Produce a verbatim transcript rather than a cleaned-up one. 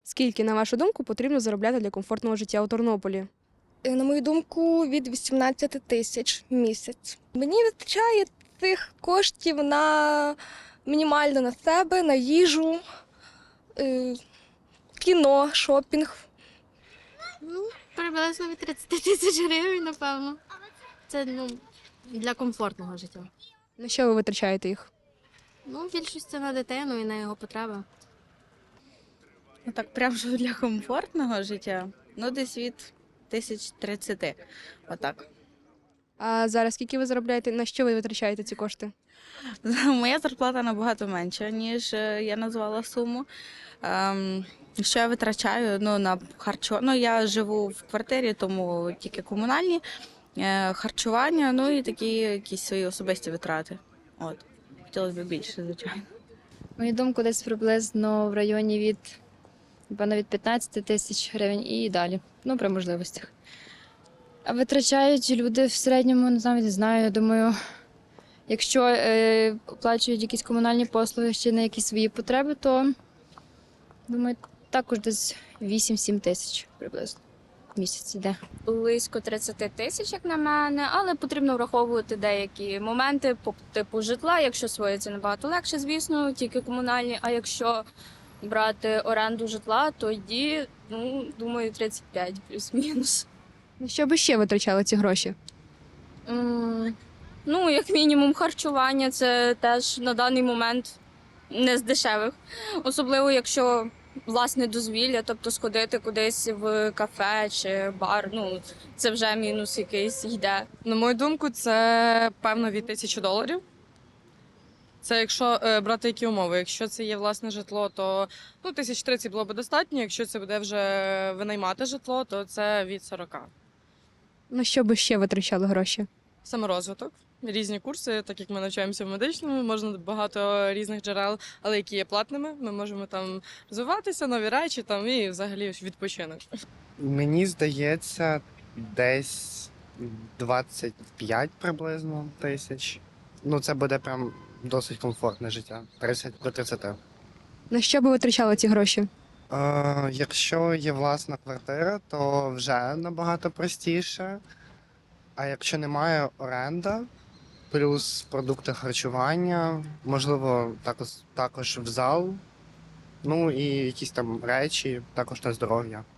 Скільки, на вашу думку, потрібно заробляти для комфортного життя у Тернополі? Е, На мою думку, від вісімнадцяти тисяч в місяць. Мені вистачає цих коштів на мінімально на себе, на їжу, е, кіно, шопінг. Ну, приблизно від тридцяти тисяч гривень, напевно. Це ну, для комфортного життя. На що ви витрачаєте їх? Ну, більшість це на дитину і на його потреби. Ну так, прям що для комфортного життя. Ну, десь від тисяч тридцяти. Отак. А зараз скільки ви заробляєте? На що ви витрачаєте ці кошти? Моя зарплата набагато менша, ніж е, я назвала суму. Ем, що я витрачаю? Ну, на харчо... Ну, я живу в квартирі, тому тільки комунальні, е, харчування, ну і такі якісь свої особисті витрати. От. Хотілося б більше, звичайно. Мою думку, десь приблизно в районі від, напевно, від п'ятнадцяти тисяч гривень і далі. Ну, при можливостях. А витрачають люди в середньому, не знаю, не знаю, я думаю, якщо е, оплачують якісь комунальні послуги чи на якісь свої потреби, то, думаю, також десь вісім-сім тисяч приблизно в місяць йде. Близько тридцять тисяч, як на мене, але потрібно враховувати деякі моменти по типу житла. Якщо своє, це набагато легше, звісно, тільки комунальні. А якщо брати оренду житла, то тоді, ну, думаю, тридцять п'ять плюс-мінус. На що ви ще витрачали ці гроші? М, Ну, як мінімум, харчування це теж на даний момент не з дешевих. Особливо, якщо власне дозвілля, тобто сходити кудись в кафе чи бар, ну це вже мінус якийсь йде. На мою думку, це певно від тисячі доларів. Це якщо е, брати які умови. Якщо це є власне житло, то ну, тисяч тридцять було б достатньо. Якщо це буде вже винаймати житло, то це від сорока. На що ви ще витрачали гроші? Саморозвиток, різні курси, так як ми навчаємося в медичному, можна багато різних джерел, але які є платними. Ми можемо там розвиватися, нові речі там і взагалі відпочинок. Мені здається, десь двадцять п'ять приблизно тисяч. Ну, це буде прям досить комфортне життя. тридцять до тридцяти. На що ви витрачали ці гроші? Е, якщо є власна квартира, то вже набагато простіше. А якщо немає оренда, плюс продукти харчування, можливо, також, також в зал, ну і якісь там речі, також на здоров'я.